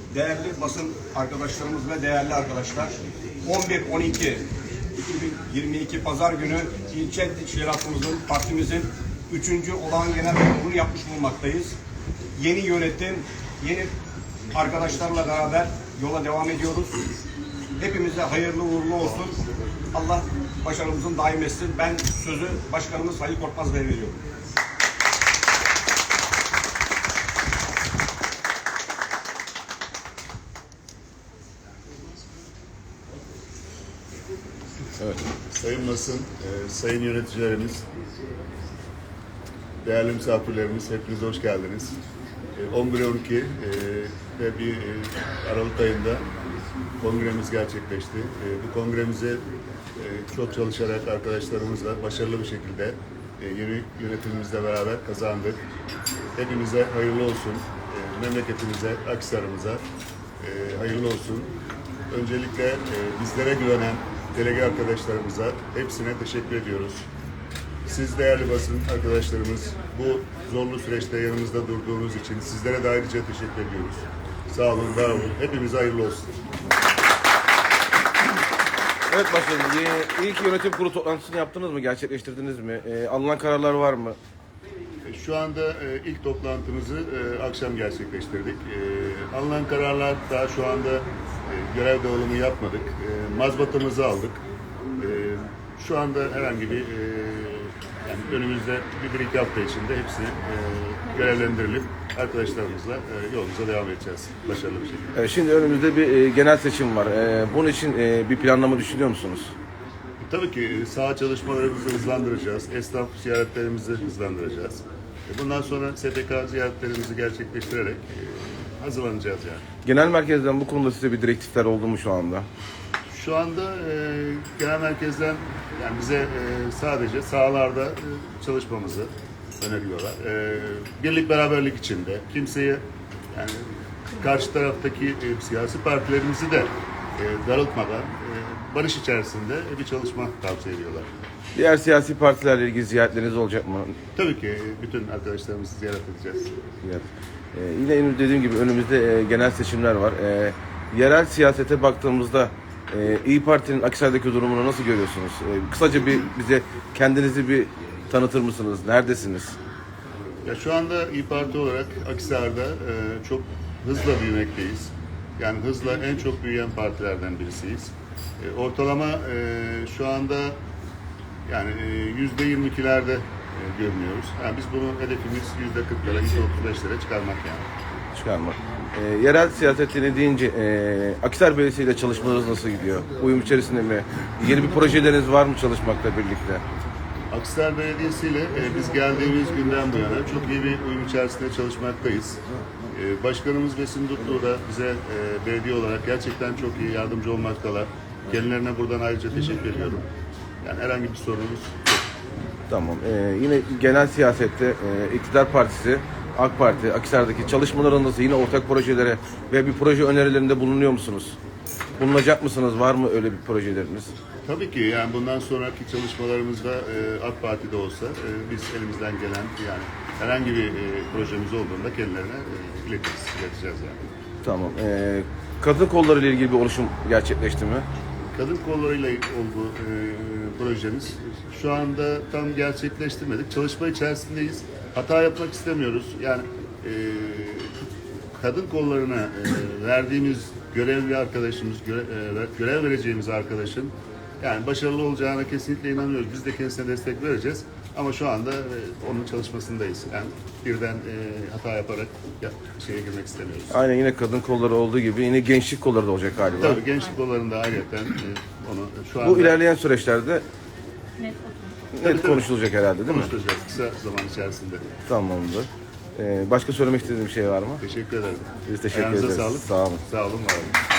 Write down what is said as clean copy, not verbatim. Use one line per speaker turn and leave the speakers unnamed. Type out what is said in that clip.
değerli basın arkadaşlarımız ve değerli arkadaşlar, 11-12-2022 Pazar günü ilçe teşkilatımızın, partimizin 3. olağan genel kurulunu yapmış bulunmaktayız. Yeni yönetim, yeni arkadaşlarla beraber yola devam ediyoruz. Hepimize hayırlı uğurlu olsun. Allah başarımızın daim etsin. Ben sözü Başkanımız Halil Korkmaz Bey'e veriyorum.
Evet. Sayın basın, sayın yöneticilerimiz, değerli misafirlerimiz, hepiniz hoş geldiniz. 11-12 ve bir Aralık ayında kongremiz gerçekleşti. Bu kongremize çok çalışarak arkadaşlarımızla başarılı bir şekilde yeni yönetimimizle beraber kazandık. Hepimize hayırlı olsun. Memleketimize, Akhisar'ımıza hayırlı olsun. Öncelikle bizlere güvenen delege arkadaşlarımıza hepsine teşekkür ediyoruz. Siz değerli basın arkadaşlarımız bu zorlu süreçte yanımızda durduğunuz için sizlere de ayrıca teşekkür ediyoruz. Sağ olun, var olun. Hepimize hayırlı olsun.
Evet başkanım, ilk yönetim kurulu toplantısını yaptınız mı? Gerçekleştirdiniz mi? Alınan kararlar var mı?
Şu anda ilk toplantımızı akşam gerçekleştirdik. Alınan kararlar daha şu anda görev dağılımı yapmadık. Mazbatamızı aldık. Şu anda herhangi bir yani önümüzde bir iki hafta içinde hepsini görevlendirilip arkadaşlarımızla yolumuza devam edeceğiz başarılı bir şekilde.
Evet, şimdi önümüzde bir genel seçim var. Bunun için bir planlama düşünüyor musunuz?
Tabii ki saha çalışmalarımızı hızlandıracağız. Esnaf ziyaretlerimizi hızlandıracağız. Bundan sonra STK ziyaretlerimizi gerçekleştirerek hazırlanacağız yani.
Genel merkezden bu konuda size bir direktifler oldu mu şu anda?
Şu anda genel merkezden yani bize sadece sahalarda çalışmamızı öneriyorlar. Birlik beraberlik içinde kimseye yani karşı taraftaki siyasi partilerimizi de darıltmadan barış içerisinde bir çalışma tavsiye ediyorlar.
Diğer siyasi partilerle ilgili ziyaretleriniz olacak mı?
Tabii ki bütün arkadaşlarımızı ziyaret edeceğiz.
Evet. Yine dediğim gibi önümüzde genel seçimler var. Yerel siyasete baktığımızda İYİ Parti'nin Akhisar'daki durumunu nasıl görüyorsunuz? Kısaca bize kendinizi bir tanıtır mısınız? Neredesiniz?
Ya şu anda İYİ Parti olarak Akhisar'da çok hızla büyümekteyiz. Yani hızla en çok büyüyen partilerden birisiyiz. Ortalama şu anda yani %22'lerde görünüyoruz. Yani biz bunu hedefimiz %40'lara, %35'lere çıkarmak yani.
Çıkarmak. Yerel siyasetini deyince Akhisar Belediyesi ile çalışmalarınız nasıl gidiyor? Uyum içerisinde mi? Yeni bir projeleriniz var mı çalışmakla birlikte?
Akhisar Belediyesi ile biz geldiğimiz günden bu yana çok iyi bir uyum içerisinde çalışmaktayız. Başkanımız Besim Dutlu da bize belediye olarak gerçekten çok iyi yardımcı olmaktalar. Kendilerine buradan ayrıca teşekkür ediyorum. Yani herhangi bir sorunumuz yok.
Tamam. Yine genel siyasette İktidar Partisi, AK Parti, Akhisar'daki çalışmaların nasıl? Yine ortak projelere ve bir proje önerilerinde bulunuyor musunuz? Bulunacak mısınız? Var mı öyle bir projeleriniz?
Tabii ki yani bundan sonraki çalışmalarımızda AK Parti'de olsa biz elimizden gelen yani herhangi bir projemiz olduğunda kendilerine ileteceğiz yani.
Tamam. Kadın kolları ile ilgili bir oluşum gerçekleşti mi?
Kadın kollarıyla olduğu projemiz şu anda tam gerçekleştirmedik. Çalışma içerisindeyiz. Hata yapmak istemiyoruz. Yani kadın kollarına verdiğimiz görevli arkadaşımız, görev vereceğimiz arkadaşın yani başarılı olacağına kesinlikle inanıyoruz. Biz de kendisine destek vereceğiz. Ama şu anda onun çalışmasındayız. Yani birden hata yaparak şeye girmek istemiyoruz.
Aynen, yine kadın kolları olduğu gibi yine gençlik kolları da olacak galiba.
Tabii gençlik kollarında ayrıca onu şu anda...
Bu ilerleyen süreçlerde net konuşulacak herhalde, değil mi?
Konuşacağız kısa zaman içerisinde.
Tamamdır. Başka söylemek istediğim bir şey var mı?
Teşekkür ederim.
Biz teşekkür
Ayağınıza
ederiz.
sağlık.
Sağ olun.
Sağ olun, var olun.